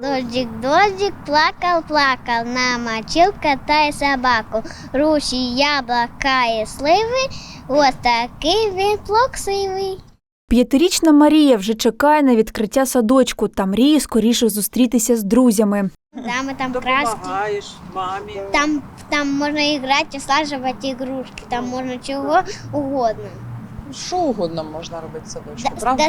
Дождик, дождик, плакал, плакал, намочил кота и собаку. Руші, яблука і сливи, ось такий він плаксивий. 5-річна Марія вже чекає на відкриття садочку та мріє скоріше зустрітися з друзями. Там краски, Допомагаєш мамі. там можна грати, слажувати ігрушки, там можна чого угодно. Що угодно можна робити в садочку, правда?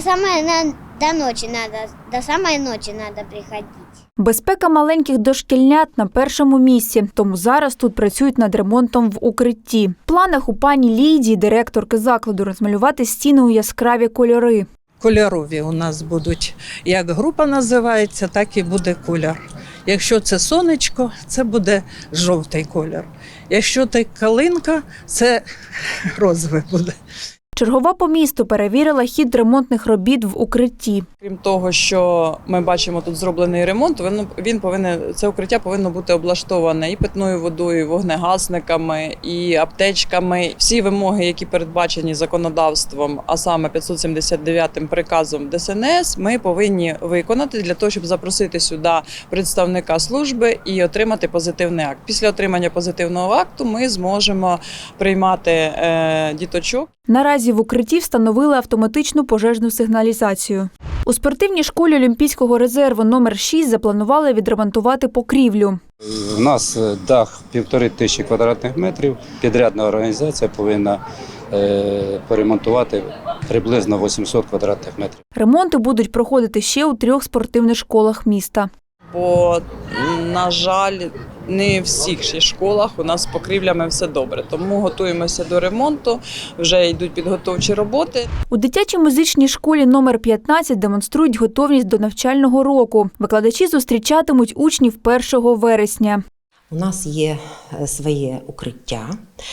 До самої ночі треба приходити. Безпека маленьких дошкільнят на першому місці, тому зараз тут працюють над ремонтом в укритті. В планах у пані Лідії, директорки закладу, розмалювати стіни у яскраві кольори. Кольорові у нас будуть, як група називається, так і буде кольор. Якщо це сонечко, це буде жовтий кольор. Якщо це калинка, це розовий буде. Чергова по місту перевірила хід ремонтних робіт в укритті. Крім того, що ми бачимо тут зроблений ремонт, це укриття повинно бути облаштоване і питною водою, і вогнегасниками, і аптечками. Всі вимоги, які передбачені законодавством, а саме 579-м приказом ДСНС, ми повинні виконати для того, щоб запросити сюди представника служби і отримати позитивний акт. Після отримання позитивного акту ми зможемо приймати діточок. Наразі в укритті встановили автоматичну пожежну сигналізацію. У спортивній школі Олімпійського резерву номер 6 запланували відремонтувати покрівлю. У нас дах 1500 квадратних метрів. Підрядна організація повинна поремонтувати приблизно 800 квадратних метрів. Ремонти будуть проходити ще у 3 спортивних школах міста. Бо, на жаль, не в всіх ще школах у нас з покрівлями все добре. Тому готуємося до ремонту, вже йдуть підготовчі роботи. У дитячій музичній школі номер 15 демонструють готовність до навчального року. Викладачі зустрічатимуть учнів 1 вересня. У нас є своє укриття,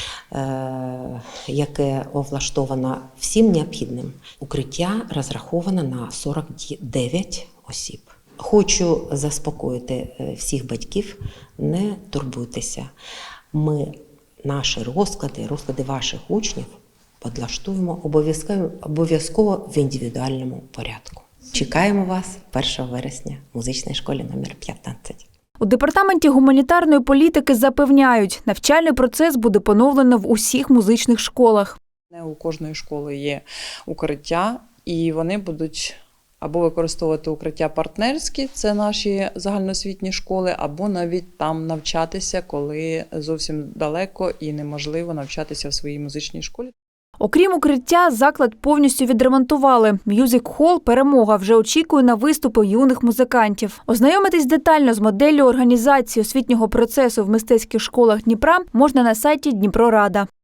яке облаштовано всім необхідним. Укриття розраховано на 49 осіб. Хочу заспокоїти всіх батьків, не турбуйтеся. Ми наші розклади ваших учнів підлаштуємо обов'язково в індивідуальному порядку. Чекаємо вас 1 вересня в музичній школі номер 15. У департаменті гуманітарної політики запевняють, навчальний процес буде поновлено в усіх музичних школах. Не у кожної школи є укриття, і вони будуть або використовувати укриття партнерські, це наші загальноосвітні школи, або навіть там навчатися, коли зовсім далеко і неможливо навчатися в своїй музичній школі. Окрім укриття, заклад повністю відремонтували. М'юзик-хол «Перемога» вже очікує на виступи юних музикантів. Ознайомитись детально з моделлю організації освітнього процесу в мистецьких школах Дніпра можна на сайті Дніпрорада.